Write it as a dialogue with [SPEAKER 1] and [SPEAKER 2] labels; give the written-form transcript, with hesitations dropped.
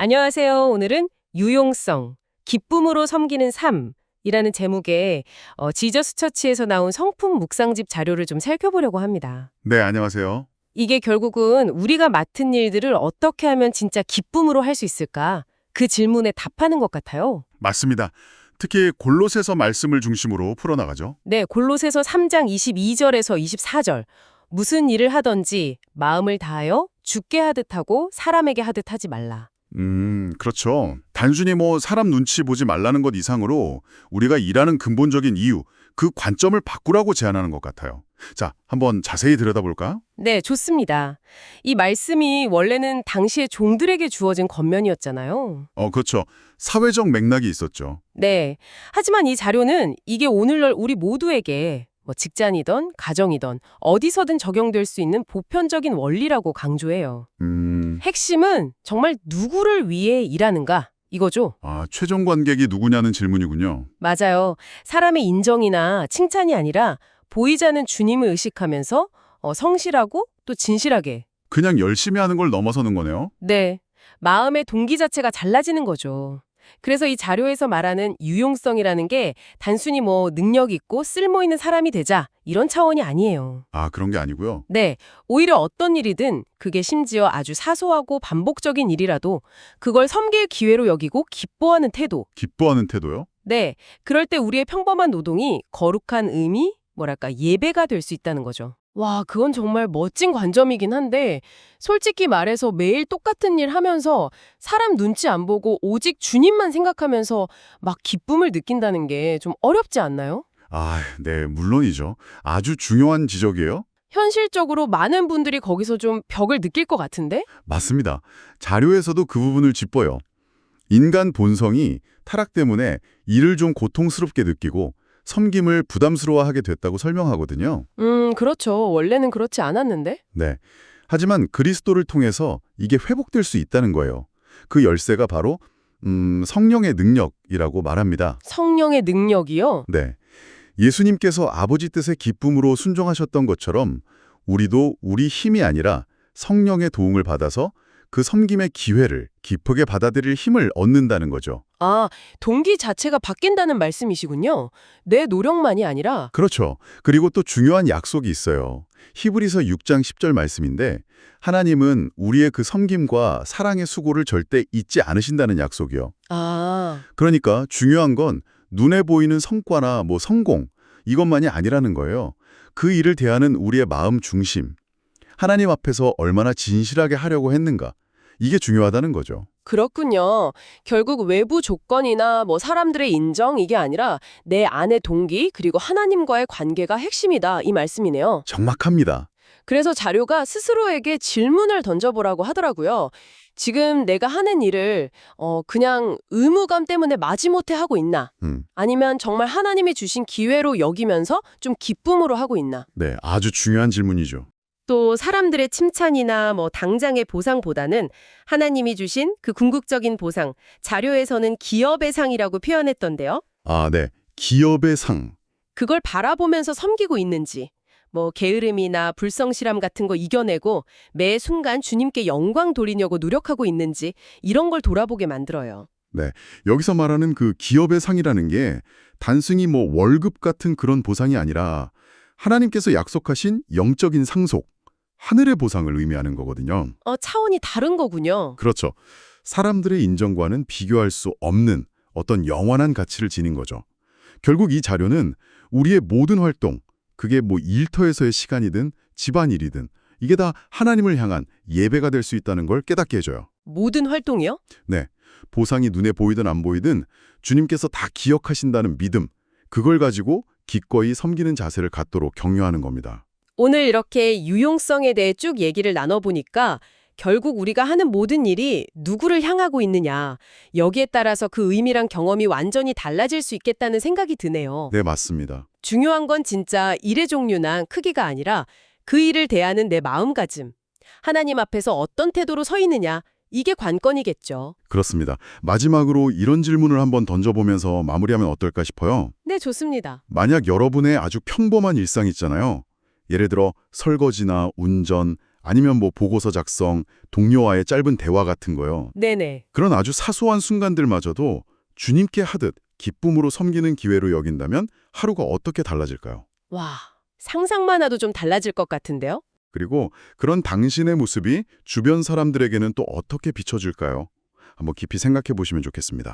[SPEAKER 1] 안녕하세요. 오늘은 유용성, 기쁨으로 섬기는 삶이라는 제목의 지저스 처치에서 나온 성품 묵상집 자료를 좀 살펴보려고 합니다.
[SPEAKER 2] 네, 안녕하세요.
[SPEAKER 1] 이게 결국은 우리가 맡은 일들을 어떻게 하면 진짜 기쁨으로 할 수 있을까? 그 질문에 답하는 것 같아요.
[SPEAKER 2] 맞습니다. 특히 골로새서 말씀을 중심으로 풀어나가죠.
[SPEAKER 1] 네, 골로새서 3장 22절에서 24절. 무슨 일을 하든지 마음을 다하여 주께 하듯 하고 사람에게 하듯 하지 말라.
[SPEAKER 2] 그렇죠. 단순히 사람 눈치 보지 말라는 것 이상으로 우리가 일하는 근본적인 이유, 그 관점을 바꾸라고 제안하는 것 같아요. 자, 한번 자세히 들여다볼까?
[SPEAKER 1] 네, 좋습니다. 이 말씀이 원래는 당시의 종들에게 주어진 권면이었잖아요.
[SPEAKER 2] 그렇죠. 사회적 맥락이 있었죠.
[SPEAKER 1] 네. 하지만 이 자료는 이게 오늘날 우리 모두에게 직장이든 가정이든 어디서든 적용될 수 있는 보편적인 원리라고 강조해요. 핵심은 정말 누구를 위해 일하는가 이거죠.
[SPEAKER 2] 최종 관객이 누구냐는 질문이군요.
[SPEAKER 1] 맞아요. 사람의 인정이나 칭찬이 아니라 보이지 않는 주님을 의식하면서 성실하고 또 진실하게.
[SPEAKER 2] 그냥 열심히 하는 걸 넘어서는 거네요.
[SPEAKER 1] 네. 마음의 동기 자체가 달라지는 거죠. 그래서 이 자료에서 말하는 유용성이라는 게 단순히 능력 있고 쓸모 있는 사람이 되자 이런 차원이 아니에요.
[SPEAKER 2] 그런 게 아니고요.
[SPEAKER 1] 네, 오히려 어떤 일이든 그게 심지어 아주 사소하고 반복적인 일이라도 그걸 섬길 기회로 여기고 기뻐하는 태도.
[SPEAKER 2] 기뻐하는 태도요?
[SPEAKER 1] 네, 그럴 때 우리의 평범한 노동이 거룩한 의미, 예배가 될 수 있다는 거죠. 와, 그건 정말 멋진 관점이긴 한데 솔직히 말해서 매일 똑같은 일 하면서 사람 눈치 안 보고 오직 주님만 생각하면서 막 기쁨을 느낀다는 게 좀 어렵지 않나요?
[SPEAKER 2] 네, 물론이죠. 아주 중요한 지적이에요.
[SPEAKER 1] 현실적으로 많은 분들이 거기서 좀 벽을 느낄 것 같은데?
[SPEAKER 2] 맞습니다. 자료에서도 그 부분을 짚어요. 인간 본성이 타락 때문에 일을 좀 고통스럽게 느끼고 섬김을 부담스러워하게 됐다고 설명하거든요.
[SPEAKER 1] 그렇죠. 원래는 그렇지 않았는데?
[SPEAKER 2] 네. 하지만 그리스도를 통해서 이게 회복될 수 있다는 거예요. 그 열쇠가 바로 성령의 능력이라고 말합니다.
[SPEAKER 1] 성령의 능력이요?
[SPEAKER 2] 네. 예수님께서 아버지 뜻에 기쁨으로 순종하셨던 것처럼 우리도 우리 힘이 아니라 성령의 도움을 받아서 그 섬김의 기회를 기쁘게 받아들일 힘을 얻는다는 거죠.
[SPEAKER 1] 동기 자체가 바뀐다는 말씀이시군요. 내 노력만이 아니라.
[SPEAKER 2] 그렇죠. 그리고 또 중요한 약속이 있어요. 히브리서 6장 10절 말씀인데 하나님은 우리의 그 섬김과 사랑의 수고를 절대 잊지 않으신다는 약속이요. 그러니까 중요한 건 눈에 보이는 성과나 성공 이것만이 아니라는 거예요. 그 일을 대하는 우리의 마음 중심. 하나님 앞에서 얼마나 진실하게 하려고 했는가. 이게 중요하다는 거죠.
[SPEAKER 1] 그렇군요. 결국 외부 조건이나 사람들의 인정 이게 아니라 내 안의 동기 그리고 하나님과의 관계가 핵심이다 이 말씀이네요.
[SPEAKER 2] 정확합니다.
[SPEAKER 1] 그래서 자료가 스스로에게 질문을 던져보라고 하더라고요. 지금 내가 하는 일을 그냥 의무감 때문에 마지못해 하고 있나? 아니면 정말 하나님이 주신 기회로 여기면서 좀 기쁨으로 하고 있나?
[SPEAKER 2] 네, 아주 중요한 질문이죠.
[SPEAKER 1] 또 사람들의 칭찬이나 당장의 보상보다는 하나님이 주신 그 궁극적인 보상, 자료에서는 기업의 상이라고 표현했던데요.
[SPEAKER 2] 네. 기업의 상.
[SPEAKER 1] 그걸 바라보면서 섬기고 있는지, 게으름이나 불성실함 같은 거 이겨내고 매 순간 주님께 영광 돌리려고 노력하고 있는지 이런 걸 돌아보게 만들어요.
[SPEAKER 2] 네. 여기서 말하는 그 기업의 상이라는 게 단순히 월급 같은 그런 보상이 아니라 하나님께서 약속하신 영적인 상속, 하늘의 보상을 의미하는 거거든요.
[SPEAKER 1] 차원이 다른 거군요.
[SPEAKER 2] 그렇죠. 사람들의 인정과는 비교할 수 없는 어떤 영원한 가치를 지닌 거죠. 결국 이 자료는 우리의 모든 활동, 그게 일터에서의 시간이든 집안일이든 이게 다 하나님을 향한 예배가 될 수 있다는 걸 깨닫게 해줘요.
[SPEAKER 1] 모든 활동이요?
[SPEAKER 2] 네. 보상이 눈에 보이든 안 보이든 주님께서 다 기억하신다는 믿음, 그걸 가지고 기꺼이 섬기는 자세를 갖도록 격려하는 겁니다.
[SPEAKER 1] 오늘 이렇게 유용성에 대해 쭉 얘기를 나눠보니까 결국 우리가 하는 모든 일이 누구를 향하고 있느냐, 여기에 따라서 그 의미랑 경험이 완전히 달라질 수 있겠다는 생각이 드네요.
[SPEAKER 2] 네, 맞습니다.
[SPEAKER 1] 중요한 건 진짜 일의 종류나 크기가 아니라 그 일을 대하는 내 마음가짐, 하나님 앞에서 어떤 태도로 서 있느냐, 이게 관건이겠죠.
[SPEAKER 2] 그렇습니다. 마지막으로 이런 질문을 한번 던져보면서 마무리하면 어떨까 싶어요.
[SPEAKER 1] 네, 좋습니다.
[SPEAKER 2] 만약 여러분의 아주 평범한 일상 있잖아요. 예를 들어 설거지나 운전, 아니면 뭐 보고서 작성, 동료와의 짧은 대화 같은 거요.
[SPEAKER 1] 네네.
[SPEAKER 2] 그런 아주 사소한 순간들마저도 주님께 하듯 기쁨으로 섬기는 기회로 여긴다면 하루가 어떻게 달라질까요?
[SPEAKER 1] 와, 상상만 해도 좀 달라질 것 같은데요?
[SPEAKER 2] 그리고 그런 당신의 모습이 주변 사람들에게는 또 어떻게 비춰질까요? 한번 깊이 생각해 보시면 좋겠습니다.